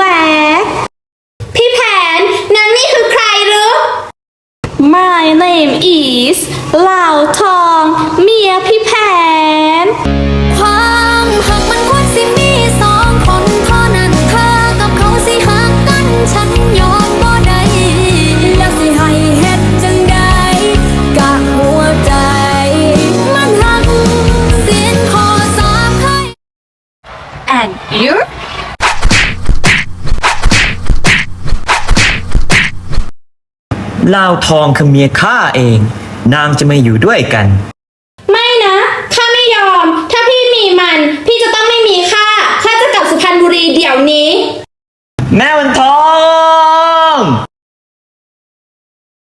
พี่แผนนางนี่คือใครหรือ My name is เหล่าทองเมียพี่แผนความหักมันควรสิมีสองคนเท่านั้นเธอกับเขาสิหักกันฉันยอมบ่ได้แล้วสิให้เฮ็ดจังใดกะหัวใจมันหักสิ้นขอสามเคย and you ลาวทองคือเมียข้าเอง นางจะมาอยู่ด้วยกันไม่นะข้าไม่ยอม ถ้าพี่มีมัน พี่จะต้องไม่มีข้าจะกลับสุพรรณบุรีเดี๋ยวนี้แม่วันทอง